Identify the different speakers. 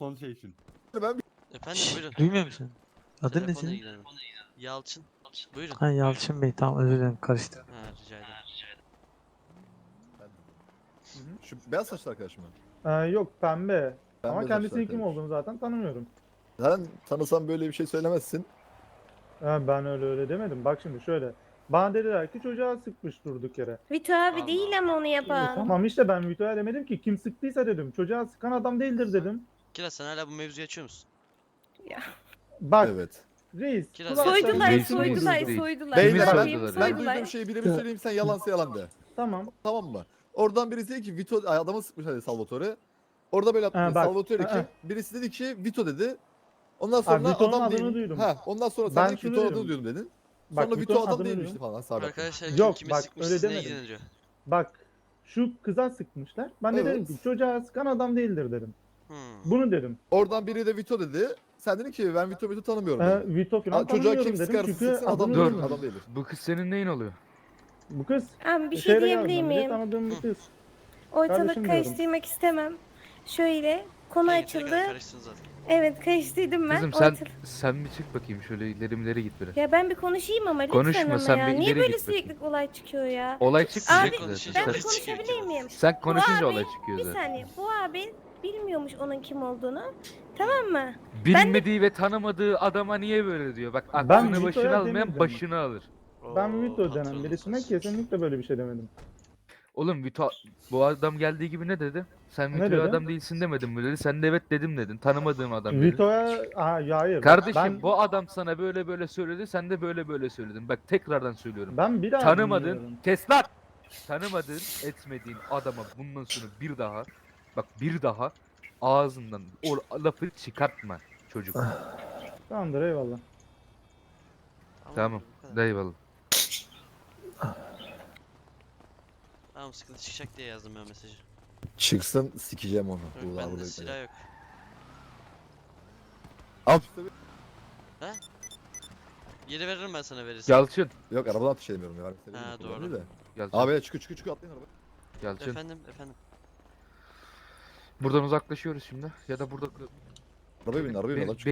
Speaker 1: son şey için.
Speaker 2: Ben
Speaker 3: Efendim buyurun.
Speaker 4: Duymuyor musun? Adın ne
Speaker 3: Telefonla
Speaker 4: senin?
Speaker 3: ilgilenin. Yalçın. Buyurun.
Speaker 4: Ha Yalçın Bey, tamam, özür dilerim, karıştırdım.
Speaker 3: Ha, rica ederim.
Speaker 2: şu beyaz saçlı arkadaşım ben.
Speaker 5: Yok pembe. Ama
Speaker 2: Pembe
Speaker 5: kendisinin
Speaker 2: saçlı
Speaker 5: kim
Speaker 2: arkadaş.
Speaker 5: olduğunu zaten tanımıyorum.
Speaker 2: Sen tanısan böyle bir şey söylemezsin.
Speaker 5: Ben öyle demedim. Bak şimdi şöyle. Bana dediler ki çocuğa sıkmış durduk yere.
Speaker 6: Vito abi
Speaker 3: Allah.
Speaker 6: değil ama onu yapan.
Speaker 5: Tamam işte ben Vito'ya demedim ki kim sıktıysa dedim. Çocuğa sıkan adam değildir dedim.
Speaker 3: Kiraz sen hala bu mevzuyu açıyor musun?
Speaker 5: Bak
Speaker 2: Evet.
Speaker 5: reis.
Speaker 3: Kiraz-
Speaker 5: kulaklarını
Speaker 6: Soydular,
Speaker 7: Reisin
Speaker 6: soydular,
Speaker 7: değil.
Speaker 6: soydular.
Speaker 2: Beyler
Speaker 6: Ne
Speaker 2: ben,
Speaker 6: yapayım?
Speaker 7: soydular
Speaker 2: ben
Speaker 6: Soydular.
Speaker 2: duyduğum şeyi birebir söyleyeyim, sen yalansa yalan de.
Speaker 5: Tamam.
Speaker 2: Tamam mı? Oradan birisi dedi ki Vito adamı sıkmış hadi Salvatore. Orada böyle
Speaker 5: Ha, bak.
Speaker 2: Salvatore dedi ki
Speaker 5: Ha.
Speaker 2: birisi dedi ki Vito dedi. Ondan sonra
Speaker 5: Vito'nun
Speaker 2: adam
Speaker 5: adını
Speaker 2: değil.
Speaker 5: duydum.
Speaker 2: Ha, ondan sonra sen
Speaker 5: Ben
Speaker 2: dedin ki
Speaker 5: şunu
Speaker 2: Vito
Speaker 5: diyorum.
Speaker 2: adını duydum dedin.
Speaker 5: Bak,
Speaker 2: Sonra Vito
Speaker 5: Vito'nun
Speaker 2: adam
Speaker 5: adını
Speaker 2: değilmişti
Speaker 5: duydum.
Speaker 2: falan sabit.
Speaker 3: Arkadaşlar
Speaker 5: Yok,
Speaker 3: kimi
Speaker 5: bak,
Speaker 3: sıkmış
Speaker 5: öyle
Speaker 3: sizinle
Speaker 5: demedim.
Speaker 3: ilgileniyor.
Speaker 5: Bak şu kıza sıkmışlar. Ben de
Speaker 2: Evet.
Speaker 5: dedim ki çocuğa sıkan adam değildir dedim.
Speaker 3: Hmm.
Speaker 5: Bunu dedim.
Speaker 2: Oradan biri de Vito dedi. Sen dedin ki ben Vito tanımıyorum dedin.
Speaker 5: Vito falan
Speaker 2: Ha, çocuğa
Speaker 5: tanımıyorum
Speaker 2: kim
Speaker 5: dedim.
Speaker 2: sıkarsa
Speaker 5: Çünkü
Speaker 2: sıksın adam
Speaker 5: adını
Speaker 7: Dur.
Speaker 2: değildir.
Speaker 5: duymadım.
Speaker 2: Adam değildir.
Speaker 7: Bu kız senin neyin oluyor?
Speaker 5: Bu kız
Speaker 6: Abi bir şey
Speaker 5: şeyle
Speaker 6: diyebilir
Speaker 5: geldim, bir de
Speaker 6: miyim?
Speaker 5: tanıdığım bir kız.
Speaker 6: Ortalık
Speaker 5: Kardeşim
Speaker 6: karıştırmak istemem. Şöyle konu
Speaker 3: Yeteri kadar
Speaker 6: açıldı.
Speaker 3: karıştın zaten.
Speaker 6: Evet karıştırdım ben.
Speaker 7: Kızım sen
Speaker 6: Ortalık-
Speaker 7: sen bir çık bakayım, şöyle ileri git biraz.
Speaker 6: Ya ben bir konuşayım ama lütfen
Speaker 7: Konuşma,
Speaker 6: ama
Speaker 7: sen
Speaker 6: ya.
Speaker 7: bir
Speaker 6: Niye
Speaker 7: ileri
Speaker 6: böyle
Speaker 7: git bakayım.
Speaker 6: sürekli olay çıkıyor ya?
Speaker 7: Olay çıkmayacak
Speaker 6: Abi,
Speaker 7: zaten.
Speaker 6: Ben
Speaker 3: Sen-
Speaker 6: bir konuşabilir miyim?
Speaker 7: Sen konuşunca
Speaker 6: abi,
Speaker 7: olay çıkıyor
Speaker 6: Bir
Speaker 7: zaten.
Speaker 6: saniye. Bu abi bilmiyormuş onun kim olduğunu. Tamam mı?
Speaker 7: Bilmediği ve tanımadığı adama niye böyle diyor? Bak
Speaker 5: Ben
Speaker 7: aklını
Speaker 5: Vito'ya
Speaker 7: başına almayan
Speaker 5: demeyeceğim.
Speaker 7: başını alır.
Speaker 5: Ben
Speaker 3: Oo,
Speaker 5: Vito denen
Speaker 3: patronum
Speaker 5: birisine
Speaker 3: sensin.
Speaker 5: kesinlikle böyle bir şey demedim.
Speaker 7: Oğlum Vito, bu adam geldiği gibi ne dedi? Sen
Speaker 5: Ne
Speaker 7: Vito'ya
Speaker 5: dedi?
Speaker 7: adam değilsin demedin mi dedi. Sen de evet dedim dedin. Tanımadığım adam dedi.
Speaker 5: Vito'ya hayır.
Speaker 7: Kardeşim
Speaker 5: ben,
Speaker 7: bu adam sana böyle böyle söyledi, sen de böyle böyle söyledin. Bak tekrardan söylüyorum.
Speaker 5: ben bir daha
Speaker 7: Tanımadın,
Speaker 5: dinliyorum.
Speaker 7: kes lan! Tanımadığın, etmediğin adama bundan sonra bir daha ağzından o lafı çıkartma çocuk.
Speaker 5: Tamamdır eyvallah.
Speaker 7: Tamam,
Speaker 3: bu kadar.
Speaker 7: eyvallah.
Speaker 3: Tamam sıkıntı çıkacak diye yazdım ben mesajı.
Speaker 2: Çıksın sikeceğim onu.
Speaker 3: Yok,
Speaker 2: Bu
Speaker 3: bende
Speaker 2: burada
Speaker 3: silah yok.
Speaker 2: Al.
Speaker 3: Geri veririm ben sana verirsen.
Speaker 7: Yalçın,
Speaker 2: Yok arabadan ateş edemiyorum ya.
Speaker 3: Ha,
Speaker 2: Değil
Speaker 3: doğru.
Speaker 2: de.
Speaker 7: Yalçın,
Speaker 2: Abi çıkı atlayın arabaya.
Speaker 7: Yalçın.
Speaker 3: Efendim.
Speaker 7: Buradan uzaklaşıyoruz şimdi ya da burada
Speaker 2: Arabaya bin
Speaker 7: Be-
Speaker 2: lan.